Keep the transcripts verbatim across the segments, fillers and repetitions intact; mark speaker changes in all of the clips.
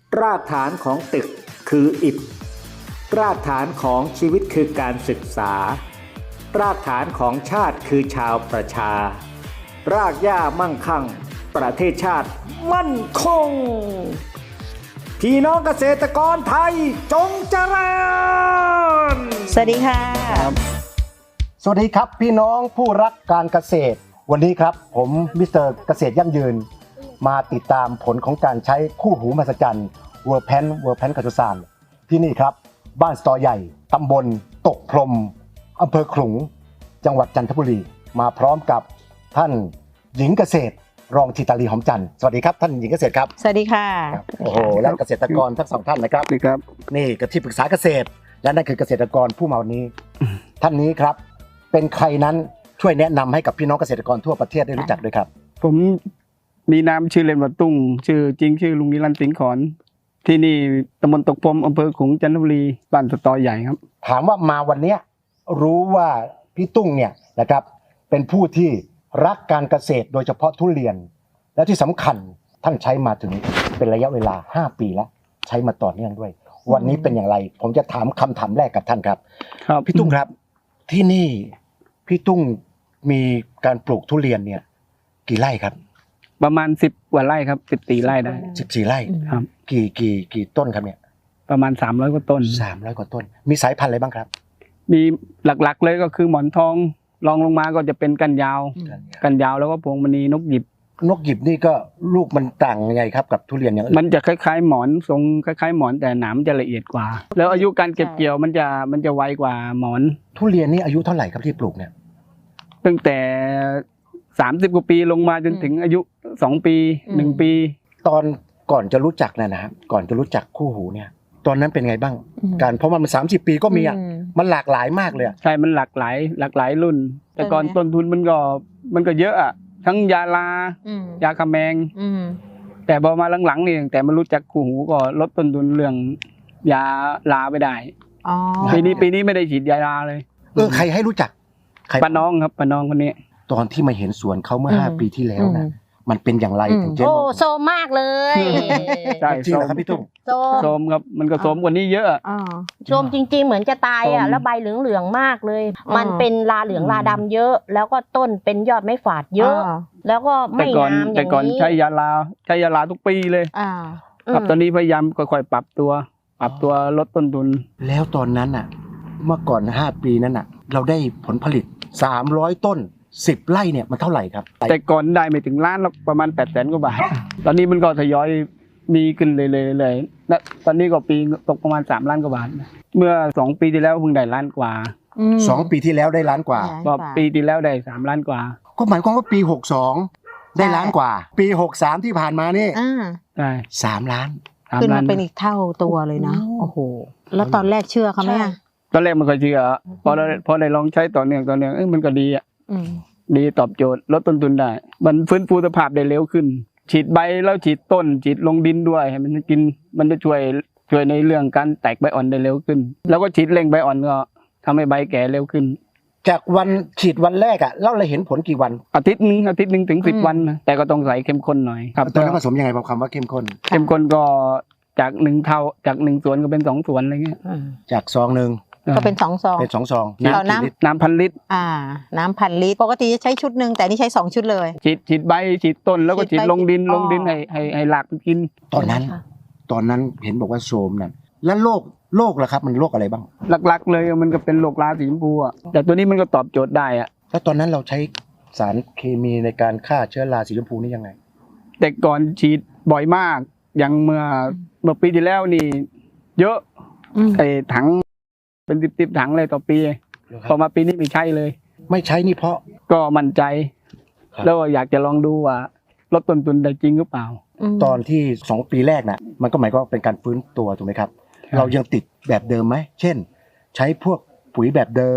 Speaker 1: รากฐานของตึกคืออิฐรากฐานของชีวิตคือการศึกษารากฐานของชาติคือชาวประชารากหญ้ามั่งคั่งประเทศชาติมั่นคงพี่น้องเกษตรกรไทยจงเจริญ
Speaker 2: สวัสดีค่ะ
Speaker 3: สวัสดีครับพี่น้องผู้รักการเกษตรวันนี้ครับผมมิสเตอร์เกษตรยั่งยืนมาติดตามผลของการใช้คู่หูมหัศจรรย์เวอร์แพนเวอร์แพนกัจจุสานที่นี่ครับบ้านสตอใหญ่ตำบลตกพรมอำเภอขลุงจังหวัดจันทบุรีมาพร้อมกับท่านหญิงเกษตรรองธิตาลีหอมจันทร์สวัสดีครับท่านหญิงเกษตรครับ
Speaker 2: สวัสดีค่ะ
Speaker 3: โอ้โหและเกษตรกรทั้งสองท่านนะครับ
Speaker 4: นี่ครับ
Speaker 3: นี่ก็ที่ปรึกษาเกษตรและนั่นคือเกษตรกรผู้มาวันนี้ท่านนี้ครับเป็นใครนั้นช่วยแนะนำให้กับพี่น้องเกษตรกรทั่วประเทศได้รู้จักด้วยครับ
Speaker 4: ผมมีนามชื่อเล่นว่าตุ้งชื่อจริงชื่อลุงนิรันดร์สิงห์ขอนที่นี่ตำบลตกพรมอำเภอขลุงจันทบุรีบ้านสตอใหญ่ครับ
Speaker 3: ถามว่ามาวันนี้รู้ว่าพี่ตุ้งเนี่ยนะครับเป็นผู้ที่รักการเกษตรโดยเฉพาะทุเรียนและที่สำคัญท่านใช้มาถึงเป็นระยะเวลาห้าปีแล้วใช้มาต่อเนื่องด้วยวันนี้เป็นอย่างไรผมจะถามคำถามแรกกับท่านครับ
Speaker 4: ครับ
Speaker 3: พี่ตุ้งครับที่นี่พี่ตุ้งมีการปลูกทุเรียนเนี่ยกี่ไร่ครับ
Speaker 4: ประมาณสิบกว่าไร่ครับสิบสี่ไร่ได้
Speaker 3: สิบสี่ไร่
Speaker 4: ครับ
Speaker 3: กี่กี่กี่ต้นครับเนี่ย
Speaker 4: ประมาณสามร้อยกว่าต้น
Speaker 3: สามร้อยกว่าต้นมีสายพันธุ์อะไรบ้างครับ
Speaker 4: มีหลักๆเลยก็คือหมอนทองรองลงมาก็จะเป็นกันยาวกันยาวแล้วก็พวงมณีนกหยิบ
Speaker 3: นกหยิบนี่ก็ลูกมันต่างยังไงครับกับทุเรียนอย่างอื่น
Speaker 4: มันจะคล้ายๆหมอนทรงคล้ายๆหมอนแต่หนามจะละเอียดกว่าแล้วอายุการเก็บเกี่ยวมันจะมันจะไวกว่าหมอน
Speaker 3: ทุเรียนนี่อายุเท่าไหร่ครับที่ปลูกเนี่ย
Speaker 4: ตั้งแต่สามสิบกว่าปีลงมาจนถึงอายุสองปีหนึ่งปี
Speaker 3: ตอนก่อนจะรู้จักนะนะครับก่อนจะรู้จักคู่หูเนี่ยตอนนั้นเป็นไงบ้างการเพราะมันสามสิบปีก็มีอ่ะมันหลากหลายมากเลย
Speaker 4: ใช่มันหลากหลายหลากหลายรุ่นแต่ก่อนต้นทุนมันก็มันก็เยอะอ่ะทั้งยาลายาคาแมงแต่พอมาหลังๆนี่แต่มารู้จักคู่หูก็ลดต้นทุนเรื่องยาลาไปได้ปีนี้ปีนี้ไม่ได้ฉีดยาลาเลย
Speaker 3: เออใครให้รู้จัก
Speaker 4: ป้าน้องครับป้าน้องคนนี้
Speaker 3: ตอนที่มาเห็นสวนเขาเมื่อห้าปีที่แล้วนะมันเป็นอย่างไรถึงเจ๊
Speaker 2: โอ้โซมมากเลย
Speaker 3: ใช่จริงเหรอครับพี่ตุ้ง
Speaker 4: โซมครับมันก็โซมกว่านี้เยอะ
Speaker 2: โซมจริงๆเหมือนจะตายอ่ะแล้วใบเหลืองๆมากเลยมันเป็นลาเหลืองลาดำเยอะแล้วก็ต้นเป็นยอดไม่ฝาดเยอะแล้วก็ไม่งามอย่างนี้
Speaker 4: แต่ก่อนใช้ยาลาใช้ยาลาทุกปีเลยครับตอนนี้พยายามค่อยๆปรับตัวปรับตัวลดต้นทุน
Speaker 3: แล้วตอนนั้นอ่ะเมื่อก่อนห้าปีนั้นอ่ะเราได้ผลผลิตสามร้อยต้นสิบไร่เนี่ยมันเท่าไหร่ครับ
Speaker 4: แต่ก่อนได้ไม่ถึงล้านหรอกประมาณแปดแสนกว่าบาทตอนนี้มันก็ทยอยมีขึ้นเลยเลยเลยและตอนนี้ก็ปีตกประมาณสามล้านกว่าบาทเมื่อสองปีที่แล้วเพิ่งได้ล้านกว่า
Speaker 3: สองปีที่แล้วได้ล้านกว่า
Speaker 4: ก็ปีที่แล้วได้สามล้านกว่า
Speaker 3: ก็หมายความว่าปีหกสองได้ล้านกว่าปีหกสามที่ผ่านมานี่
Speaker 4: ใช่
Speaker 3: สามล้าน
Speaker 2: ขึ้นมาเป็นอีกเท่าตัวเลยนะโอ้โหแล้วตอนแรกเชื่อเขาไหม
Speaker 4: ตอนแรกมันก็เชื่อพอเราพอได้ลองใช้ต่อเนื่องต่อเนื่องเอ้ยมันก็ดีอ่ะดีตอบโจทย์ลดต้นทุนได้มันฟื้นฟูสภาพได้เร็วขึ้นฉีดใบแล้วฉีดต้นฉีดลงดินด้วยให้มันกินมันจะช่วยช่วยในเรื่องการแตกใบอ่อนได้เร็วขึ้นแล้วก็ฉีดเร่งใบอ่อนก็ทำให้ใบแก่เร็วขึ้น
Speaker 3: จากวันฉีดวันแรกอ่ะเราเลยเห็นผลกี่วัน
Speaker 4: อาทิตย์นึงอาทิตย์นึงถึงสิบวันนะแต่ก็ต้องใส่เข้มข้นหน่อยครับ
Speaker 3: ตอนนั้นผสมยังไงบอกคำว่าเข้มข้น
Speaker 4: เข้มข้นก็จากหนึ่งเท่าจากหนึ่งส่วนก็เป็นสองส่วนอะไรเงี้ย
Speaker 3: จากซองหนึ่ง
Speaker 2: ก็เป็นสองซอง
Speaker 3: เป็นสองซอง
Speaker 4: น้ำน้ำพันลิตร
Speaker 2: อ่าน้ำพันลิตรปกติจะใช้ชุดหนึ่งแต่นี่ใช้สองชุดเลย
Speaker 4: ฉีดฉีดใบฉีดต้นแล้วก็ฉีดลงดินลงดินให้ให้ให้หลากมันกิน
Speaker 3: ตอนนั้นตอนนั้นเห็นบอกว่าโซมนั่นแล้วโรคโรคล่ะครับมันโรคอะไรบ้าง
Speaker 4: หลักๆเลยมันก็เป็นโรคราสีชมพูอ่ะแต่ตัวนี้มันก็ตอบโจทย์ได้อ่ะ
Speaker 3: แล้วตอนนั้นเราใช้สารเคมีในการฆ่าเชื้อราสีชมพูนี่ยังไง
Speaker 4: แต่ก่อนฉีดบ่อยมากอย่างเมื่อเมื่อปีที่แล้วนี่เยอะไอ้ถังเป็นสิบๆถังเลยต่อปีพอมาปีนี้ไม่ใช่เลย
Speaker 3: ไม่ใช้นี่เพราะ
Speaker 4: ก็มั่นใจแล้วอยากจะลองดูว่าลดต้นทุนได้จริงหรือเปล่า
Speaker 3: ตอนที่สองปีแรกน่ะมันก็หมายความว่าเป็นการฟื้นตัวถูกไหมครับเรายังติดแบบเดิมไหมเช่นใช้พวกปุ๋ยแบบเดิม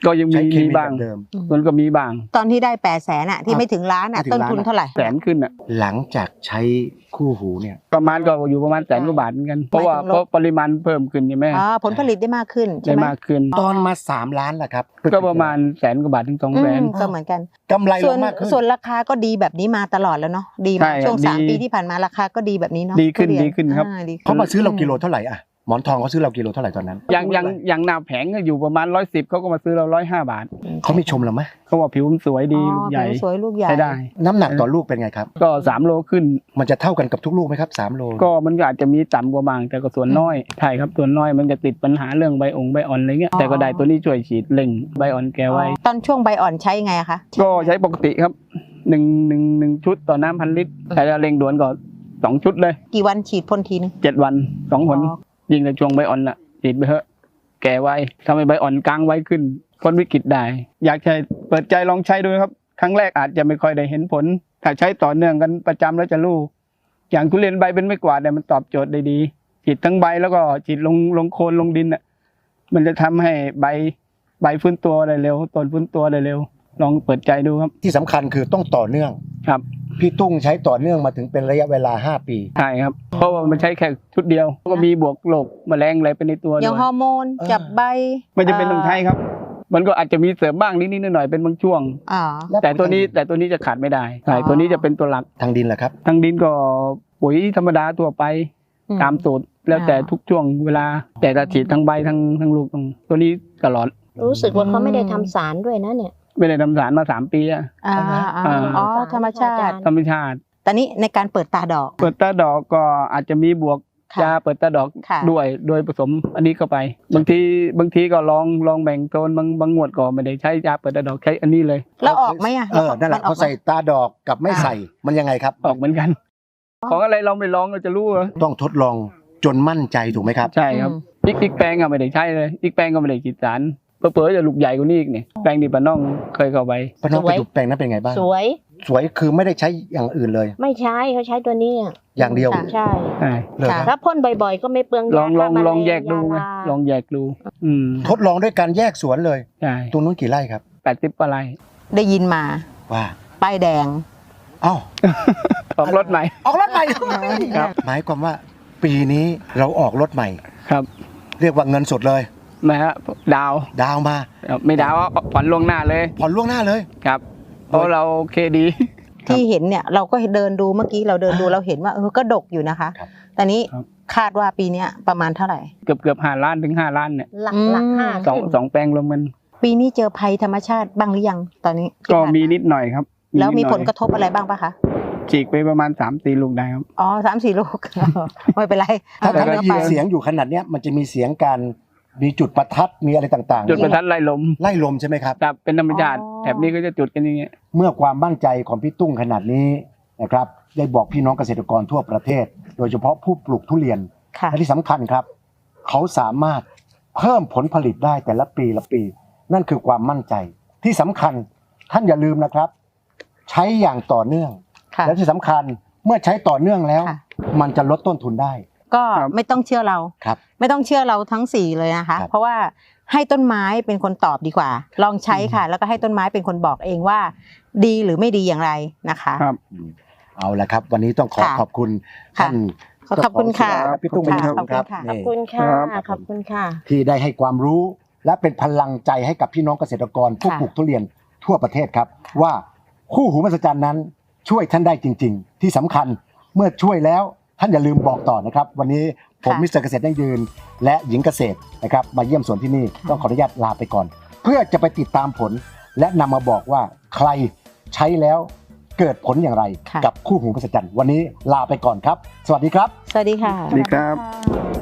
Speaker 4: ก็ยังมี
Speaker 3: ใช้เค
Speaker 4: มี
Speaker 3: มี
Speaker 4: บ้าง
Speaker 3: แบบเดิม
Speaker 4: มันก็มีบ้าง
Speaker 5: ตอนที่ได้แปดแสนอะที่ไม่ถึงล้านอะ
Speaker 3: ไม่ถึง
Speaker 5: ต้น
Speaker 3: ล้าน
Speaker 5: ทุนเท่าไหร่
Speaker 4: แสนขึ้นอ่ะ
Speaker 3: หลังจากใช้คู่หูเนี่ย
Speaker 4: ประมาณก็อยู่ประมาณแสนกว่าบาทเหมือนกันเพราะว่าเพราะปริมาณเพิ่มขึ้นใช่ไหม
Speaker 5: อ๋อผลผลิตได้มากขึ้นใช่
Speaker 4: ได้
Speaker 5: ไหม
Speaker 4: มากขึ้น
Speaker 3: ตอนมาสามล้านแหละครับ
Speaker 4: ก็ประมาณแสนกว่าบาทถึงสอง
Speaker 5: อื
Speaker 4: แสน
Speaker 5: มก็เหมือนกัน
Speaker 3: กำไรล
Speaker 5: ส่วน
Speaker 3: งมากขึ้น
Speaker 5: ส่วนราคาก็ดีแบบนี้มาตลอดแล้วเนาะดี
Speaker 4: ใช่
Speaker 5: มา
Speaker 4: ครับ
Speaker 5: ช่วงสาม
Speaker 4: ดี
Speaker 5: ปีที่ผ่านมาราคาก็ดีแบบนี้เนาะ
Speaker 4: ดีขึ้น
Speaker 5: ทุเย
Speaker 4: ดีขึ้นครับ
Speaker 5: อ่ดีขึ้น
Speaker 3: เขามาซื้อเรากิโลเท่าไหร่อะหมอนทองเขาซื้อเรากิโลเท่าไหร่ตอนนั้น
Speaker 4: อย่างอย่างอย่างหน้าแผงก็อยู่ประมาณร้อยสิบเขาก็มาซื้อเราร้อยห้าบาท
Speaker 3: เขามีชมเราไหม
Speaker 4: เขาว่าผิวมันสวยดี
Speaker 5: อ๋อ
Speaker 4: ลูกใหญ่
Speaker 5: ผิวสวยลูกใหญ่
Speaker 4: ใช้ได้
Speaker 3: น้ำหนักต่อลูกเป็นไงครับ
Speaker 4: ก็สามโลขึ้น
Speaker 3: มันจะเท่ากันกับทุกลูกไหมครับสามโล
Speaker 4: ก็มันก็อาจจะมีต่ำกว่าบางแต่ก็ส่วนน้อยใช่ครับส่วนน้อยมันจะติดปัญหาเรื่องใบองค์ใบอ่อนอะไรเงี้ยแต่ก็ได้ตัวนี้ช่วยฉีดเล่งใบอ่อนแกไว้
Speaker 5: ตอนช่วงใบอ่อนใช้ไงอะคะ
Speaker 4: ก็ใช้ปกติครับหนึ่งหนึ่งหนึ่งชุดต่อน้ำพันลิตรแต่ถ้าเร่งด่วนก็สองชุดเลย
Speaker 5: กี่วันฉีดพ่นทีนึง
Speaker 4: เจ็ดวันสองผล
Speaker 5: อ๋อ
Speaker 4: ยิงในช่วงใบอ่อนน่ะฉีดไปเถอะแก่ไวทำให้ใบอ่อนกลางไว้ขึ้นพ้นวิกฤตได้ อยากใช้เปิดใจลองใช้ดูครับครั้งแรกอาจจะไม่ค่อยได้เห็นผลถ้าใช้ต่อเนื่องกันประจำแล้วจะรู้อย่างทุเรียนใบเป็นไม่กวาดเนี่ยมันตอบโจทย์ได้ดีฉีดทั้งใบแล้วก็ฉีดลงลงโคนลงดินน่ะมันจะทำให้ใบใบฟื้นตัวได้เร็วต้นฟื้นตัวได้เร็วลองเปิดใจดูครับ
Speaker 3: ที่สำคัญคือต้องต่อเนื่อง
Speaker 4: ครับ
Speaker 3: พี่ตุ้งใช้ต่อเนื่องมาถึงเป็นระยะเวลาห้าปี
Speaker 4: ใช่ครับเพราะว่ามันใช้แค่ชุดเดียวก็มีบวกโรคแมลงอะไรไปในตัว
Speaker 5: อ
Speaker 4: ด้
Speaker 5: ย่าง
Speaker 4: วย
Speaker 5: ฮอร์โมนจับใบ
Speaker 4: ไม่จะเป็นต้องใช้ครับ มันก็อาจจะมีเสริมบ้างนิดๆหน่อยๆเป็นบางช่วง
Speaker 5: อ๋อ
Speaker 4: แต่ตัวนี้แต่ตัวนี้จะขาดไม่ได้ใช่
Speaker 5: อ๋อ
Speaker 4: ตัวนี้จะเป็นตัวหลัก
Speaker 3: ทางดินแหละครับ
Speaker 4: ทางดินก็ปุ๋ยธรรมดาตัวไป
Speaker 5: อืม
Speaker 4: ตามสูตรแล้วแต่
Speaker 5: อ่า
Speaker 4: ทุกช่วงเวลา แต่ละฉีดทั้งใบทั้งทั้งลูกตรงตัวนี้ตลอด
Speaker 2: รู้สึกว่าเขาไม่ได้ทำสารด้วยนะเนี่ย
Speaker 4: ไม่ได้ทำสารมาสามปีอะ
Speaker 5: อ่า
Speaker 4: อ่า
Speaker 5: อ๋อธรรมชาติ
Speaker 4: ธรรมชาติ
Speaker 5: ตอนนี้ในการเปิดตาดอก
Speaker 4: เปิดตาดอกก็อาจจะมีบวก
Speaker 5: ค่ะ
Speaker 4: ยาเปิดตาดอก
Speaker 5: ค่ะ
Speaker 4: ด้วยโดยผสมอันนี้เข้าไป บางทีบางทีก็ลองลองแบ่งโซนบางบางงวดก็ไม่ได้ใช้ยาเปิดตาดอกใช้อันนี้เลย
Speaker 5: แล้วออกไหมอะ
Speaker 3: เออนั่นแหละ
Speaker 5: มัออ
Speaker 3: เขา
Speaker 5: กไหม
Speaker 3: ใส่ตาดอกกับไม่ใส่มันยังไงครับ
Speaker 4: ออกเหมือนกัน ของอะไรเราไม่ลองเราจะรู้เหรอ
Speaker 3: ต้องทดลองจนมั่นใจถูกไหมครับ
Speaker 4: ใช่ครับ
Speaker 5: อืม
Speaker 4: อีกอีกแปลงอะไม่ได้ใช้เลยอีกแปลงก็ไม่ได้ฉีดสารเผลอๆจะลูกใหญ่กว่านี้อีกเนี่ยแปลงดิบปะน้องเคยเข้าไป
Speaker 3: ป้าน้อง
Speaker 2: สวย
Speaker 3: ไปดูแปลงนั้นเป็นไงบ้าง
Speaker 2: สวย
Speaker 3: สวยคือไม่ได้ใช้อย่างอื่นเลย
Speaker 2: ไม่ใช้เขาใช้ตัวนี้อะ
Speaker 3: อย่างเดียว
Speaker 5: ค่ะ
Speaker 2: ใช่
Speaker 4: ใช่
Speaker 3: เลยค
Speaker 5: ค่ะ
Speaker 3: รับ
Speaker 2: ถ้าพ่นบ่อยๆ ก็ไม่เปลือง
Speaker 4: ลอง
Speaker 2: ยา
Speaker 4: ลอง
Speaker 2: ฆ่าแม
Speaker 4: ลองแยกดูไง
Speaker 2: ยาลา
Speaker 4: ลองแยกดู อืม
Speaker 3: ทดลองด้วยการแยกสวนเลย
Speaker 4: ใช่
Speaker 3: ตรงนู้นกี่ไร่ครับ
Speaker 4: แปดสิบอะไร
Speaker 5: ได้ยินมา
Speaker 3: ว่า
Speaker 5: ป้ายแดง
Speaker 3: เอ้า
Speaker 4: ออกรถใหม่
Speaker 3: ออกรถใหม่
Speaker 4: ครับ
Speaker 3: หมายความว่าปีนี้เราออกรถใหม่
Speaker 4: ครับ
Speaker 3: เรียกว่าเงินสดเลย
Speaker 4: นะฮะดาว
Speaker 3: ดาวมา
Speaker 4: ไม่ดาวเอาผ่อนล่วงหน้าเลย
Speaker 3: ผ่อนล่วงหน้าเลย
Speaker 4: ครับเพราะเราโอเคดี
Speaker 5: ที่เห็นเนี่ยเราก็เดินดูเมื่อกี้เราเดินดูเราเห็นว่าเออก็ดกอยู่นะคะ
Speaker 3: ครับ
Speaker 5: ตอนนี้
Speaker 4: ครับ
Speaker 5: คาดว่าปีเนี้ยประมาณเท่าไหร่
Speaker 4: เกือบเกือบห้าล้านถึงห้าล้านเนี่ย
Speaker 2: หลัก
Speaker 5: อืม
Speaker 2: หลักห้า
Speaker 4: สอง
Speaker 2: ขึ้น
Speaker 4: สองแปลงรวมกัน
Speaker 5: ปีนี้เจอภัยธรรมชาติบ้างหรือยังตอนนี้ที่
Speaker 4: ก็
Speaker 5: ผ่าา
Speaker 4: มีนิดหน่อยครับ
Speaker 5: แล้วมี
Speaker 4: นิดหน่อย
Speaker 5: ผลกระทบอะไรบ้างปะคะ
Speaker 4: ฉีกไปประมาณสามสี่ลูกได้ครับ
Speaker 5: อ๋อสามสี่ลูก ไม่เป็นไร
Speaker 3: ถ้า
Speaker 5: เอ
Speaker 3: ถ้า
Speaker 5: เนื้
Speaker 3: ได้
Speaker 5: อ
Speaker 3: ยิ
Speaker 5: ไป
Speaker 3: นเสียงอยู่ขนาดเนี้ยมันจะมีเสียงการมีจุดประทัดมีอะไรต่างๆ
Speaker 4: จุดประทัดไล่ลม
Speaker 3: ไล่ลมใช่ไหมครับ
Speaker 4: ครับเป็นธรรมชาติ
Speaker 5: อ๋อ
Speaker 4: แถบนี้ก็จะจุดกันอย่างเงี้ย
Speaker 3: เมื่อความมั่นใจของพี่ตุ้งขนาดนี้นะครับได้บอกพี่น้องเกษตรกรทั่วประเทศ โดยเฉพาะผู้ปลูกทุเรียน
Speaker 5: ค่ะ
Speaker 3: และที่สำคัญครับ เขาสามารถเพิ่มผลผลิตได้แต่ละปีละปี นั่นคือความมั่นใจที่สำคัญท่านอย่าลืมนะครับ ใช้อย่างต่อเนื่อง
Speaker 5: ค่ะ
Speaker 3: และที่สำคัญเมื่อใช้ต่อเนื่องแล้ว
Speaker 5: ค่ะ
Speaker 3: มันจะลดต้นทุนได้
Speaker 5: ก็ไม่ต้องเชื่อเรา
Speaker 3: ครับ
Speaker 5: ไม่ต้องเชื่อเราทั้งสี่เลยนะคะ
Speaker 3: ครับ
Speaker 5: เพราะว่าให้ต้นไม้เป็นคนตอบดีกว่า ลองใช้ค่ะ แล้วก็ให้ต้นไม้เป็นคนบอกเองว่า ดีหรือไม่ดีอย่างไรนะคะ
Speaker 4: ครับ
Speaker 3: เอาละครับ วันนี้ต้องขอ
Speaker 5: ค่ะ
Speaker 3: ขอบคุณ
Speaker 5: ค่ะ
Speaker 3: ท่าน
Speaker 5: ขอบคุณค่ะ
Speaker 3: เจ้าของสวนพี่ตุ้งเป็นอย่าง
Speaker 5: ข
Speaker 3: สู
Speaker 5: อบ
Speaker 3: ง
Speaker 5: คุณ
Speaker 3: ครับ
Speaker 5: ค่ะ
Speaker 2: ขอบ
Speaker 3: นี่
Speaker 2: คุณค่ะ
Speaker 4: ครับ
Speaker 2: ขอบคุณค่ะ
Speaker 3: ที่ได้ให้ความรู้และเป็นพลังใจให้กับพี่น้องเกษตรกรผู้
Speaker 5: ค่ะ
Speaker 3: ปลูกทุเรียนทั่วประเทศครับ ว่าคู่หูมหัศจรรย์นั้นช่วยท่านได้จริง ๆ ที่สำคัญเมื่อช่วยแล้วท่านอย่าลืมบอกต่อนะครับ วันนี้ผมมิสเตอร์เกษตรยั่งยืน และหญิงเกษตรนะครับมาเยี่ยมสวนที่นี่ต้องขออนุญาตลาไปก่อน เพื่อจะไปติดตามผล และนำมาบอกว่าใครใช้แล้วเกิดผลอย่างไร
Speaker 5: ค่ะ
Speaker 3: กับคู่หูมหัศจรรย์วันนี้ลาไปก่อนครับ สวัสดีครับ
Speaker 5: สวัสดีค่ะ
Speaker 4: สวัสดีครับ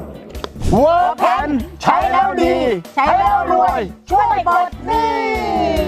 Speaker 3: เวิร์กแพนใช้แล้วดี
Speaker 5: ใช้แล้วรวย
Speaker 3: ช่วยปลดหนี้